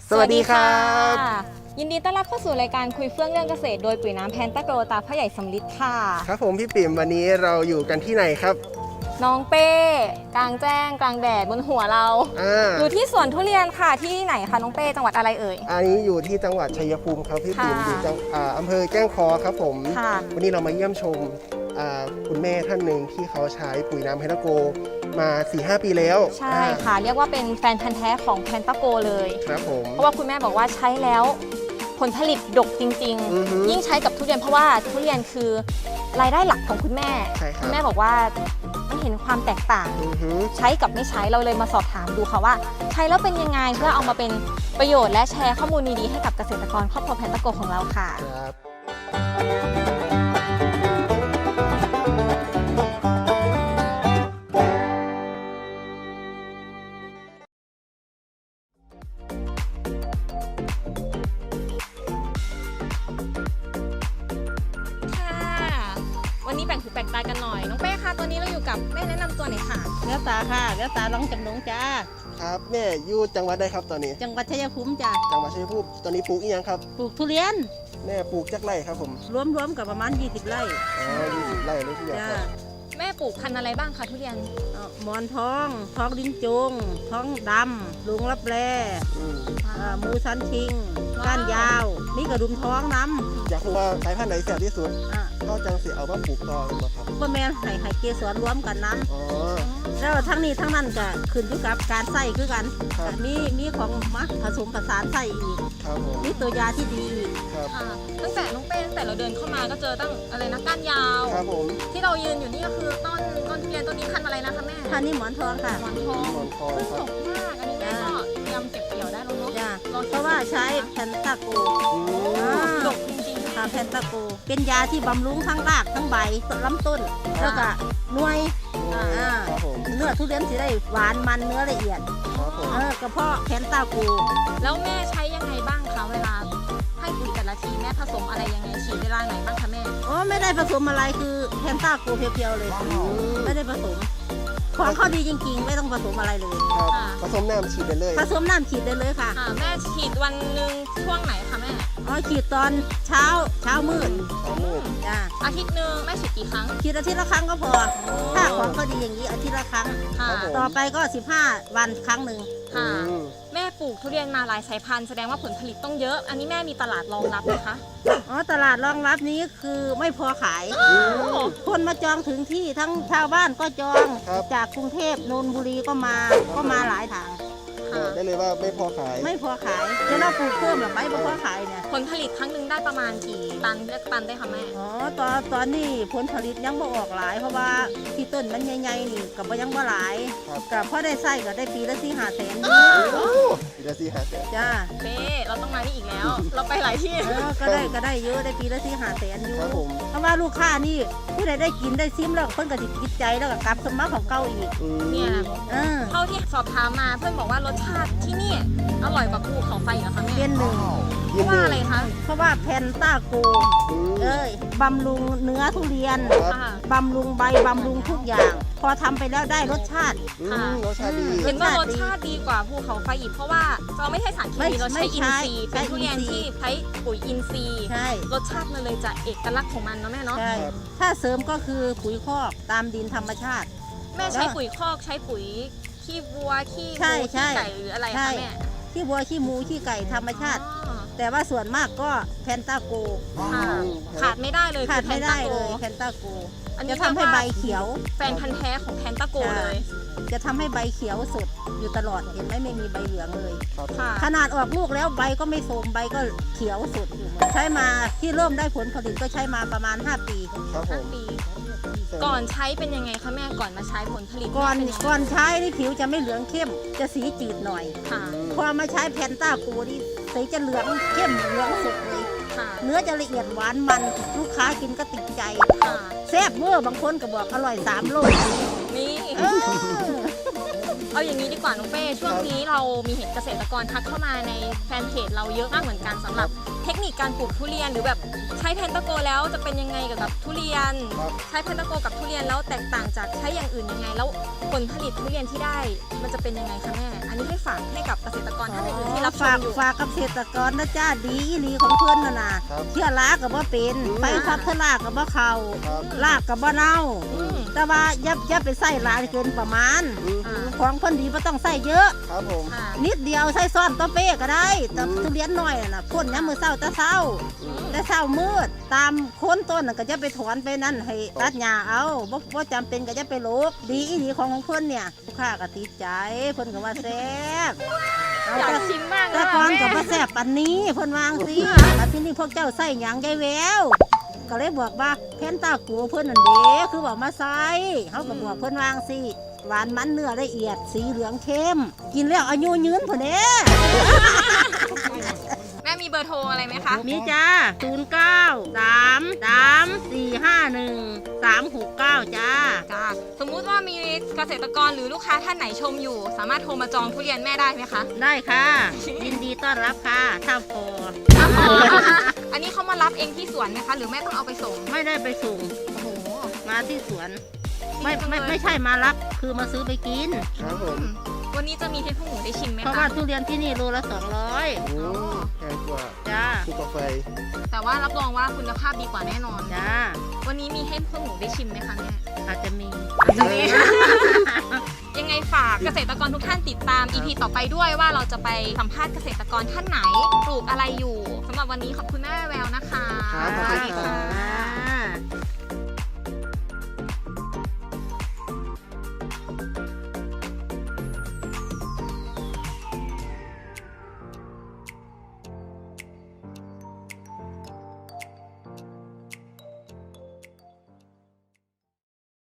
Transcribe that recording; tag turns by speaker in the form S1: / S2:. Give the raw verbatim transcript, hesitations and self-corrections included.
S1: สวัสดีครับ
S2: ยินดีต้อนรับเข้าสู่รายการคุยเฟื่องเรื่องเกษตรโดยปุ๋ยน้ำแพนตาโกรตาพ่อใหญ่สำลิดค่ะ
S1: ครับผมพี่ปิ่มวันนี้เราอยู่กันที่ไหนครับ
S2: น้องเป้กลางแจ้งกลางแดดบนหัวเราออยู่ที่สวนทุเรียนค่ะที่ไหนคะน้องเป้จังหวัดอะไรเอ่ย
S1: อันนี้อยู่ที่จังหวัดชัยภูมิครับพี่ปิ่มอยู่จังอำเภอแก้งคอครับผมวันนี้เรามาเยี่ยมชมคุณแม่ท่านหนึ่งที่เขาใช้ปุ๋ยน้ำแพนตาโกมา สี่ห้า ปีแล้ว
S2: ใช่ค่ะเรียกว่าเป็นแฟนพันธุ์แท้ของแพนตาโกเลย
S1: ครับผม
S2: เพราะว่าคุณแม่บอกว่าใช้แล้วผลผลิตดกจริงๆยิ่งใช้กับทุเรียนเพราะว่าทุเรียนคือรายได้หลักของคุณแม่คุณแม่บอกว่าไม่เห็นความแตกต่างใช้กับไม่ใช้เราเลยมาสอบถามดูค่ะว่าใช้แล้วเป็นยังไงเพื่อเอามาเป็นประโยชน์และแชร์ข้อมูลดีๆให้กับเกษตรกรครอบครัวแพนตาโกของเราค่ะวันนี้แบ่งหูแบ่งตากันหน่อยน้องเป้ค่ะตอนนี้เราอยู่กับแม่แนะนำตัวหน่อยค่ะ
S3: เลี้ยวตาค่ะเลี้ยวตาลองจำลงจ้า
S1: ครับแม่อยู่จังหวัดใดครับตอนนี้
S3: จังหวัดชัยภูมิจ้า
S1: จังหวัดชัยภูมิตอนนี้ปลูกอีกยังครับ
S3: ปลูกทุเรียน
S1: แม่ปลูกจักไร่ครับผม
S3: รวมๆกับประมาณยี่สิบไร่
S1: อ๋อยี่สิบไร่เลยทีเดียวครับ
S2: แม่ปลูกพันธุ์อะไรบ้างคะทุเรียน
S3: หมอนทองทองลิ้นจงท้องดำลุงรับแร่มูซันชิงก้านยาวมีกระดุมท้องน้
S1: ำอยากรู้ว่าสายพันธุ์ไหนแสบที่สุดก็จังสิเอามาปลูกต่อเลยครับ
S3: ก็แม่ไห่ไห่เกสรรวมกันนั้นแล้วทั้งนี้ทั้งนั้นก็ขึ้นอยู่กับการใส่คือกันมีมีของมักผสมผสานใส่อีกมีตัวยาที่ดี
S2: ตั้งแต่น้องเป้ตั้งแต่เราเดินเข้ามาก็เจอตั้งอะไรนะก้านยาวที่เรายืนอยู่นี่ก็คือต้นต้นทุเรียนต้นนี้พันธุ์อะไรนะคะแม่
S3: พันธุ์นี้หมอนทองค่ะ
S2: หมอนทองหมอนทองสดมากอันนี้แม่ก็เตรียมเก็บเกี่ยวได้แล้วเนาะ
S3: เพราะว่าใช้แพนตาโก
S2: ดกจริงๆ
S3: ค่ะแพนตาโกเป็นยาที่บำรุงทั้งรากทั้งใบลำต้นแล้วก็หน่วยเนื้อทุเรียนสิได้หวานมันเนื้อละเอียดกระเพาะแพนตาโก
S2: แล้วแม่ใช้ยังไงบ้างคะเวลาให้ปุ๋ยแต่ละทีแม่ผสมอะไรยังไงฉีดเวลาไหนบ้างคะแม่
S3: อ๋อไม่ได้ผสมอะไรคือแพนตาโกเพียวๆเลยไม่ได้ผสมของเขาดีจริงๆไม่ต้องผสมอะไรเลย
S1: ผสมน้ำฉีดได้เลย
S3: ผสมน้ำฉีดได้เลยค่ะ
S2: แม่ฉีดวันหนึ่งช่วงไหนคะแม่
S3: อ๋อฉีดตอนเช้าเช้ามืด
S1: เช้ามืด
S3: จ้า
S2: อาทิตย์หนึ่งแม่ฉีดกี่ครั้ง
S3: ฉีดอาทิตย์ละครั้งก็พอถ้าของเขาดีอย่างนี้อาทิตย์ละครั้งต่อไปก็สิบห้าวันครั้งหนึ่ง
S2: ค่ะแม่ปลูกทุเรียนมาหลายสายพันธุ์แสดงว่าผลผลิตต้องเยอะอันนี้แม่มีตลาดรองรับไหมคะ
S3: อ๋อตลาดรองรับนี้คือไม่พอขายคนมาจองถึงที่ทั้งชาวบ้านก็จองจากกรุงเทพนนทบุรีก็มาก็มาหลายทาง
S1: ได้เลยว่าไม่พอขาย
S3: ไม่พอขายจะเราปลูกเพิ่มหรือไม่พอขายเนี่ย
S2: ผลผลิตครั้งหนึ่งได้ประมาณกี่ตันเลือกตันได้คะแม่
S3: อ๋อตอนตอนนี้ผลผลิตยังบ่ออกหลายเพราะว่าที่ต้นมันใหญ่ๆนี่กับยังบ่หลายกับพอได้ไส้ก็ได้ปีละสี่ห้าแสน
S1: ปีละสี่ห้าแสน
S3: จ้า
S2: เป้เราต้องมานี่อีกแล้วเราไปหลายที่
S3: ก็ได้ก็ได้เยอะได้ปีละสี่ห้าแสนอยู่เพราะว่าลูกค้านี่ผู้ใดได้กินได้ซิมแล้วเพิ่นก็ติดจิตใจแล้วก็กลับสมัครของเก่าอีก
S2: เนี่ยเท่าที่สอบถามมาเพื่อนบอกว่ารสชาติที่นี่อร่อยกว่าภูเขาไฟเหรอคะแม่
S3: เป็นหนึ่ง
S2: เพราะว่าอะไรคะ
S3: เพราะว่าแพนตาโกเอ้ยบำรุงเนื้อทุเรียนบำรุงใบบำรุงทุกอย่างพอทำไปแล้วได้รสชาติ
S1: รสชาติดี
S2: เห็นว่ารสชาติดีกว่าภูเขาไฟอีกเพราะว่าเราไม่ใช่สารเคมีเราใช้อินทรีย์เป็นทุเรียนที่ใช้ปุ๋ยอินทรีย์รสชาติมันเลยจะเอกลักษณ์ของมันเนาะแม่เนาะ
S3: ถ้าเสริมก็คือปุ๋ยคอกตามดินธรรมชาติ
S2: แม่ใช้ปุ๋ยคอกใช้ปุ๋ยขี้วัวขี้หมูขี้ไก่หรืออะไรคะแม่
S3: ขี้วัวขี้หมูขี้ไก่ธรรมชาติแต่ว่าส่วนมากก็แพนตาโก
S2: ขาดไม่ได้เลย
S3: ขาดไม่ได้เลยแพนตาโกจะทำให้ใบเขียว
S2: แฟนพันธุ์แท้ของแพนตาโกเลย
S3: จะทำให้ใบเขียวสดอยู่ตลอดเห็นไหมไม่มีใบเหลืองเลยขนาดออกลูกแล้วใบก็ไม่โทรมใบก็เขียวสดอยู่ใช้มาที่เริ่มได้ผลผลิตก็ใช้มาประมาณห้าปี
S2: ห้าปีก่อนใช้เป็นยังไงคะแม่ก่อนมาใช้ผลผลิต
S3: ก่อนก่อนใช้นี่ผิวจะไม่เหลืองเข้มจะสีจืดหน่อยพอมาใช้แพนตาโกนี่สีจะเหลืองเข้มเหลืองสดเลยเนื้อจะละเอียดหวานมันลูกค้ากินก็ติดใจแซ่บเวอร์บางคนก็บอกอร่อยสามโล
S2: นี่เอาอย่างนี้ดีกว่าน้องเป้ช่วงนี้เรามีเห็นเกษตรกรทักเข้ามาในแฟนเพจเราเยอะมากเหมือนกันสำหรับเทคนิคการปลูกทุเรียนหรือแบบใช้เพนตาโกแล้วจะเป็นยังไงกับกับทุเรียน ใช้เพนตาโกกับทุเรียนแล้วแตกต่างจากใช้อย่างอื่นยังไงแล้วผลผลิตทุเรียนที่ได้มันจะเป็นยังไงคะแม่อันนี้ให้ฝากให้กับเกษตรกรท่านอื่นๆที่รับช
S3: ฝาม ก
S2: อยู่
S3: ฝากกับเกษตรกรนะจ้าดีอีหลีของเพื่อนน่ะนะเชื่อลากับว่าเป็นไฟซับเทลากับว่าเขาลากกับว่าเน่า
S2: อืม
S3: แต่ว่าอย่าอย่าไปใส่หลายเกินประมาณ
S2: อ่า
S3: ของคนดีไม่ต้องใส่เยอะ
S1: ครับผม
S2: ค่ะ
S3: นิดเดียวใส่ซ้อนตัวเป้ก็ได้แต่ทุเรียนน้อยน่ะนะพ่นย้ำมือเศร้าแต่เศร้า แต่เช้ามืดตามโคนต้นน่ะก็จะไปถอนไปนั่นให้ตัดหญ้าเอาบ่บ่จำเป็นก็จะไปโลกดีอีหลีของของเพิ่นเนี่ยลูกค้าก็ติดใจเพิ่นก็ว่าแซ่บเอา
S2: อยาก
S3: แต่
S2: ชิมมากเล
S3: แต่
S2: ย
S3: ก่อน
S2: แม่
S3: ก็บ่แซ่บปานนี้เพิ่นวาจั่งสิแต่ที่นี่พวกเจ้าใส่หยังยายแววก็เลยบอกว่าเพนตากูเพิ่นนั่นเด้คือบอกมาใส่เฮาก็บอกเพิ่นวาจั่งสิหวานมันเนื้อละเอียดสีเหลืองเข้ม กินแล้วอายุยืนพุ่นเด้
S2: แม่มีเบอร์โทรอะไรไหมคะ
S3: มีจ้า ศูนย์ เก้า สาม สาม สี่ ห้า หนึ่ง สาม หก เก้า จ้า
S2: จ้าสมมุติว่ามีเกษตรกรหรือลูกค้าท่านไหนชมอยู่ สามารถโทรมาจองทุเรียนแม่ได้ไหมคะ
S3: ได้ค่ะ ยินดีต้อนรับค่ะถ้าพอ
S2: อันนี้เขามารับเองที่สวนไหมคะ หรือแม่ต้องเอาไปส่ง
S3: ไม่ได้ไปส่ง
S2: โอ้โห
S3: มาที่สวน ไม่ไม่ไม่ใช่มารับ คือมาซื้อไปกิน
S1: ครับผม
S2: วันนี้จะมีให้พวกหนูได้ชิมไหม
S3: เพราะ
S2: คะ
S3: ว่าทุเรียนที่นี่โลละสองร้อย
S1: โอ้แพงกว่า
S3: จ้า
S1: ถูกกว่าไฟ
S2: แต่ว่ารับรองว่าคุณภาพดีกว่าแน่นอน
S3: จ้า
S2: วันนี้มีให้พวกหนูได้ชิมไหมคะแม่
S3: อาจจะมี
S2: จะมี ยังไงฝากเกษตรกรทุกท่านติดตาม อี พี ต่อไปด้วยว่าเราจะไปสัมภาษณ์เกษตรกรท่านไหนปลูกอะไรอยู่สำหรับวันนี้ขอบคุณแม่แววนะคะ
S1: ครับขอบคุณครับ
S3: ค่ะ